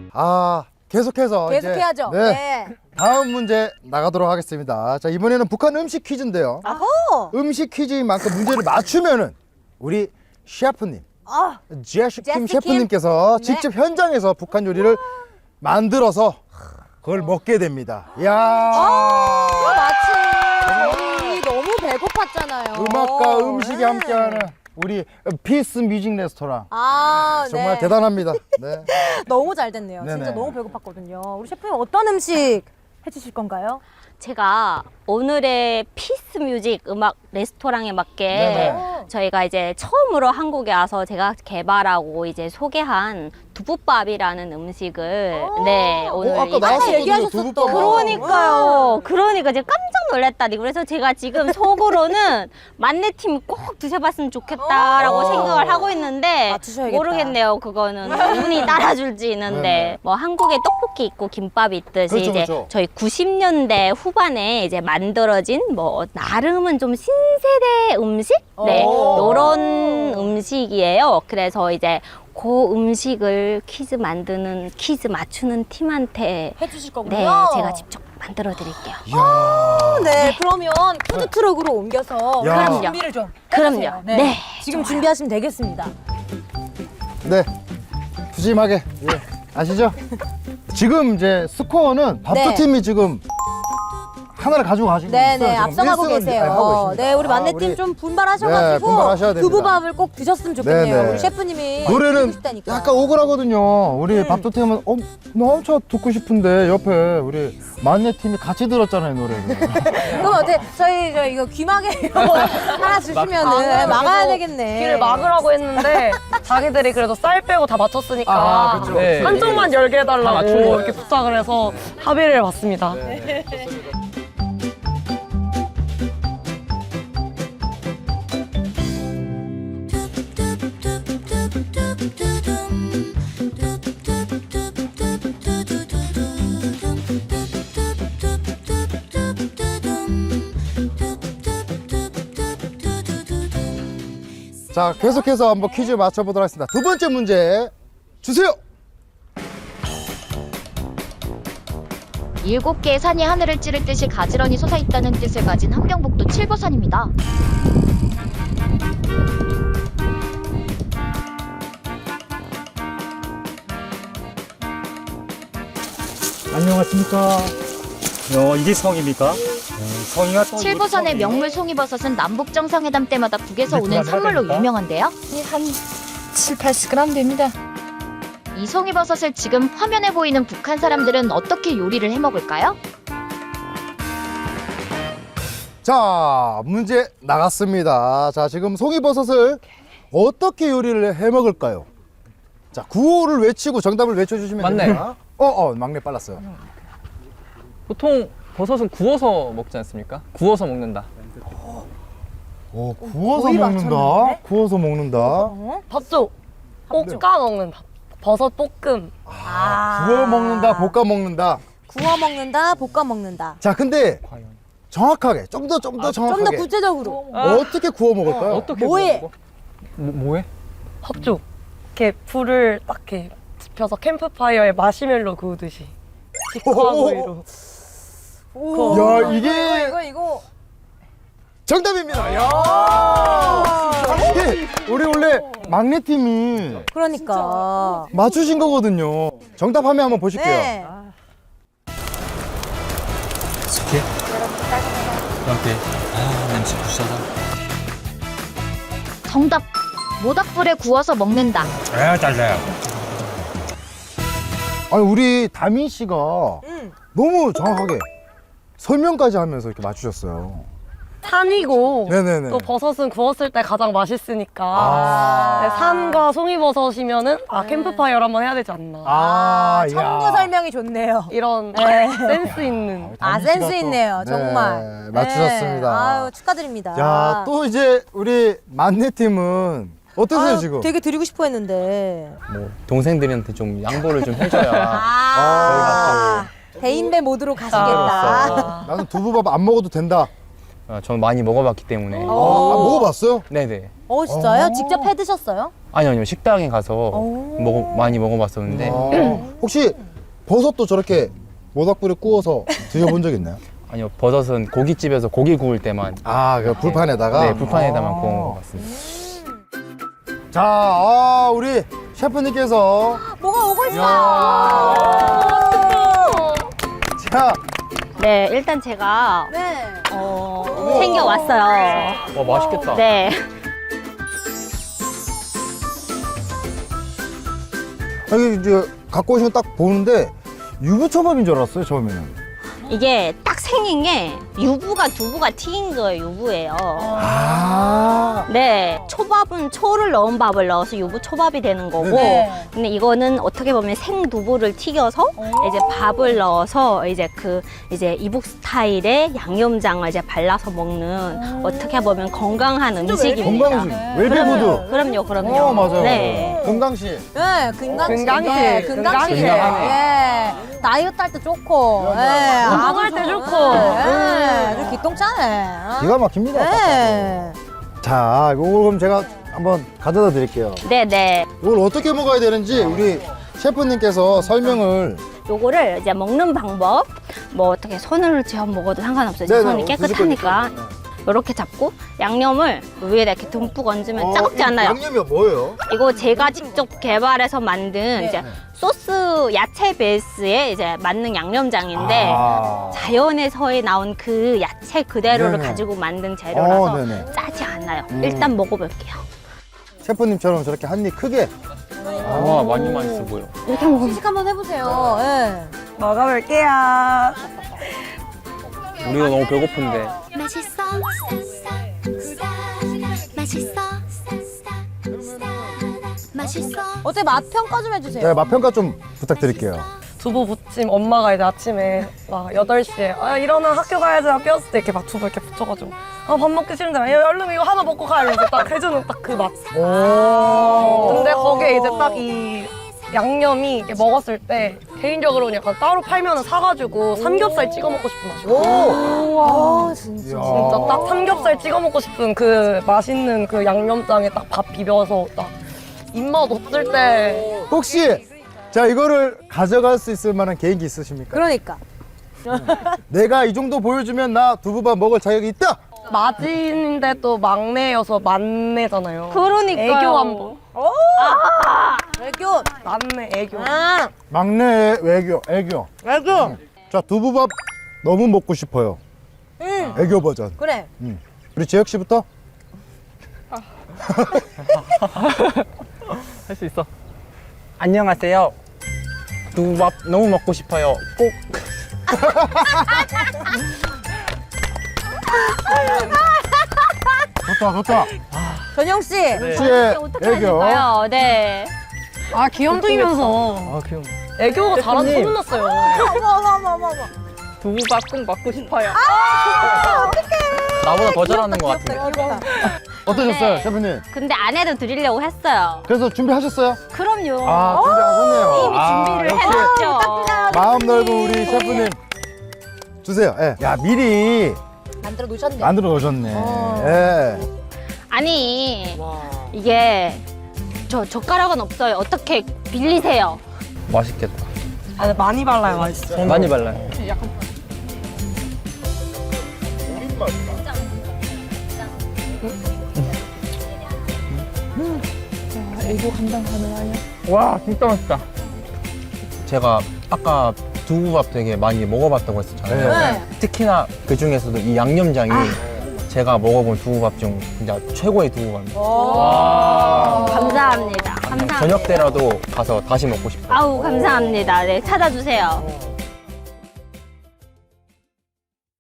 계속해서 이제, 계속해야죠. 네. 다음 문제 나가도록 하겠습니다. 자, 이번에는 북한 음식 퀴즈인데요. 아호. 음식 퀴즈인 만큼 문제를 맞추면은 우리 셰프님, 제시 킴 제시 셰프님께서 네. 직접 현장에서 북한 요리를 만들어서 그걸 먹게 됩니다. 이야. 마침 저희 너무 배고팠잖아요. 음악과 음식이 네. 함께하는 우리 피스 뮤직 레스토랑. 정말 네. 대단합니다. 네. 너무 잘 됐네요. 네네. 진짜 너무 배고팠거든요. 우리 셰프님 어떤 음식 해주실 건가요? 제가 오늘의 피스 뮤직 음악 레스토랑에 맞게 네네. 저희가 이제 처음으로 한국에 와서 제가 개발하고 이제 소개한 두부밥이라는 음식을 오늘 아까 이제 나왔었거든요. 얘기하셨었던. 두부밥. 그러니까 제가 깜짝 놀랐다니. 그래서 제가 지금 속으로는 만내팀이 꼭 드셔봤으면 좋겠다라고 생각을 하고 있는데 맞추셔야겠다. 모르겠네요. 그거는 운이 따라줄지는데 네네. 뭐 한국에 떡볶이 있고 김밥이 있듯이 그렇죠, 이제 그렇죠. 저희 90년대 후반에 이제 만들어진 뭐 나름은 좀 신세대 음식 요런 음식이에요. 그래서 이제 그 음식을 퀴즈 맞추는 팀한테 해주실 거군요. 네, 제가 직접 만들어 드릴게요. 네, 그러면 푸드트럭으로 옮겨서 야. 그럼 준비를 좀 그럼요. 해주세요. 네. 지금 준비하시면 되겠습니다. 네. 푸짐하게. 예. 아시죠? 지금 이제 스코어는 밥두 네. 팀이 지금 하나를 가지고 가시고 있어요. 네네, 지금 앞서가고 1승을 계세요. 하고 있습니다. 네, 우리 만내팀 우리 좀 분발하셔가지고 네, 분발하셔야 됩니다. 두부밥을 꼭 드셨으면 좋겠네요. 네네. 우리 셰프님이 노래는 듣고 싶다니까. 약간 억울하거든요. 우리 밥두 팀은 나 엄청 듣고 싶은데 옆에 우리 만내 팀이 같이 들었잖아요, 노래를. 그럼 어때? 저희 이거 귀마개 하나 주시면은 막아야 되겠네. 길을 막으라고 했는데 자기들이 그래도 쌀 빼고 다 맞췄으니까 아, 그쵸. 네. 한쪽만 열게 해달라고 맞춘 거예요. 이렇게 부탁을 해서 합의를 봤습니다. 자, 계속해서 한번 퀴즈 맞춰보도록 하겠습니다. 두 번째 문제 주세요. 7개의 산이 하늘을 찌를 듯이 가지런히 솟아있다는 뜻을 가진 함경북도 칠보산입니다. 안녕하십니까. 이게 성입니까? 성이가 또 칠보산의 명물 송이버섯은 남북 정상회담 때마다 북에서 오는 선물로 유명한데요. 한 7, 80g 됩니다. 이 송이버섯을 지금 화면에 보이는 북한 사람들은 어떻게 요리를 해먹을까요? 자, 문제 나갔습니다. 자, 지금 송이버섯을 어떻게 요리를 해 먹을까요? 자, 구호를 외치고 정답을 외쳐주시면 맞네. 됩니다. 막내 빨랐어요. 보통 버섯은 구워서 먹지 않습니까? 구워서 먹는다. 구워서 거의 먹는다. 맞췄는데? 구워서 먹는다. 밥도 볶아 먹는 버섯 볶음. 구워 먹는다. 볶아 먹는다. 구워 먹는다, 볶아 먹는다. 자, 근데 정확하게 좀 더 정확하게 좀 더 구체적으로. 어떻게 구워 먹을까요? 어떻게 뭐해? 구워 먹어? 뭐해? 헛죽. 이렇게 불을 딱 이렇게 지펴서 캠프파이어에 마시멜로 구우듯이. 직화구이로. 오. 야, 이게 이거. 정답입니다. 야! 우리 원래 막내 팀이 그러니까. 맞추신 거거든요. 정답 화면 한번 보실게요. 네. 이렇게 냄새 부시하다. 정답! 모닥불에 구워서 먹는다. 잘라요. 아니, 우리 다민 씨가 음. 너무 정확하게 설명까지 하면서 이렇게 맞추셨어요. 산이고 네네네. 또 버섯은 구웠을 때 가장 맛있으니까 아. 네, 산과 송이버섯이면은 캠프파이어를 한번 해야 되지 않나. 청구 야. 설명이 좋네요. 이런 네. 센스 있는. 다민 센스 씨가 또, 있네요, 네, 정말. 맞추셨습니다. 네. 아유, 축하드립니다. 야, 또 이제 우리 만내 팀은 어떠세요, 아유, 지금? 되게 드리고 싶어 했는데. 뭐 동생들한테 좀 양보를 좀 해줘야. 아, 대인배 모드로 가시겠다. 나는 두부밥 안 먹어도 된다. 저는 많이 먹어봤기 때문에. 먹어봤어요? 네네. 진짜요? 직접 해 드셨어요? 아니요, 식당에 가서 많이 먹어봤었는데 혹시 버섯도 저렇게 모닥불에 구워서 드셔본 적 있나요? 아니요, 버섯은 고깃집에서 고기 구울 때만 아, 그 불판에다가? 네, 불판에다만 구워 먹어봤습니다. 자, 우리 셰프님께서 뭐가 오고 있어요. 자, 네, 일단 제가 네. 챙겨왔어요. 와, 맛있겠다. 네. 여기 이제 갖고 오시면 딱 보는데 유부초밥인 줄 알았어요, 처음에는. 이게 딱 생긴 게 유부가 두부가 튀긴 거예요, 유부예요. 아, 네, 초밥은 초를 넣은 밥을 넣어서 유부 초밥이 되는 거고, 네. 근데 이거는 어떻게 보면 생두부를 튀겨서 이제 밥을 넣어서 이제 이북 스타일의 양념장을 이제 발라서 먹는 어떻게 보면 건강한 음식입니다. 건강식, 웰빙푸드. 그럼요. 맞아요. 네. 건강식. 네, 근강식. 근강식. 예, 근강식이에요. 근강식. 예. 다이어트 할 때 좋고. 예. 운동할 때 좋고. 예. 저 기똥차네. 기가 막힙니다. 예. 자, 이거 그럼 제가 한번 가져다 드릴게요. 네네. 이걸 어떻게 먹어야 되는지 우리 셰프님께서 설명을. 요거를 이제 먹는 방법, 뭐 어떻게 손을 쥐어 먹어도 상관없어요. 제 네네, 손이 깨끗하니까. 이렇게 잡고 양념을 위에다 이렇게 듬뿍 얹으면 짜지 않아요. 양념이 뭐예요? 이거 제가 직접 개발해서 만든 이제 소스 야채 베이스에 이제 만능 양념장인데 아. 자연에서의 나온 그 야채 그대로를 네네. 가지고 만든 재료라서 네네. 짜지 않아요. 일단 먹어볼게요. 셰프님처럼 저렇게 한 입 크게. 와, 많이 맛있어 보여. 이렇게 먹으면 시식 한번 해보세요. 예. 먹어볼게요. 우리가 너무 배고픈데. 맛있어 맛있어 맛있어 어때 맛 평가 좀 해주세요. 네, 맛 평가 좀 부탁드릴게요. 두부 부침 엄마가 이제 아침에 막 8시에 일어나 학교 가야지 깨웠을 때 이렇게 막 두부 이렇게 붙여가지고 밥 먹기 싫은데 얼른 이거 하나 먹고 가 이러면서 딱 해주는 딱 그 맛. 오. 근데 거기에 이제 딱 이 양념이 이렇게 먹었을 때 개인적으로는 약간 따로 팔면은 사가지고 삼겹살 찍어 먹고 싶은 맛이에요. 아, 진짜. 진짜 딱 삼겹살 찍어 먹고 싶은 그 맛있는 그 양념장에 딱 밥 비벼서 딱 입맛 없을 때 혹시 자 이거를 가져갈 수 있을 만한 개인기 있으십니까? 그러니까. 내가 이 정도 보여주면 나 두부밥 먹을 자격이 있다. 마진인데 또 막내여서 만내잖아요. 그러니까요. 애교 한번. 애교. 만내 애교. 아, 막내의 애교. 애교. 자 두부밥 너무 먹고 싶어요. 애교 버전. 그래. 우리 재혁 씨부터. 할 수 있어. 안녕하세요. 두부밥 너무 먹고 싶어요. 꼭. 좋다. 전영 씨. 씨의 어떻게 애교. 하실까요? 네. 아 귀염둥이면서 아, 귀여워. 애교가 잘하는 대표님. 소문났어요. 어머. 두부밥 꼭 먹고 싶어요. 나보다 더 잘하는 것 같은데. 귀엽다. 어떠셨어요, 네. 셰프님? 근데 아내도 드리려고 했어요. 그래서 준비하셨어요? 그럼요. 아 준비하셨네요. 이미 준비를 역시 해놨죠. 마음 넓은 우리 셰프님 주세요. 예. 야 미리 만들어 놓으셨네. 만들어 놓으셨네. 예. 아니 이게 저 젓가락은 없어요. 어떻게 빌리세요? 맛있겠다. 아, 많이 발라요, 맛있어. 많이 발라요. 와, 진짜 맛있다. 제가 아까 두부밥 되게 많이 먹어봤다고 했었잖아요. 네. 특히나 그 중에서도 이 양념장이 제가 먹어본 두부밥 중 진짜 최고의 두부밥입니다. 감사합니다. 감사합니다. 저녁 때라도 가서 다시 먹고 싶어요. 아우 감사합니다. 네 찾아주세요.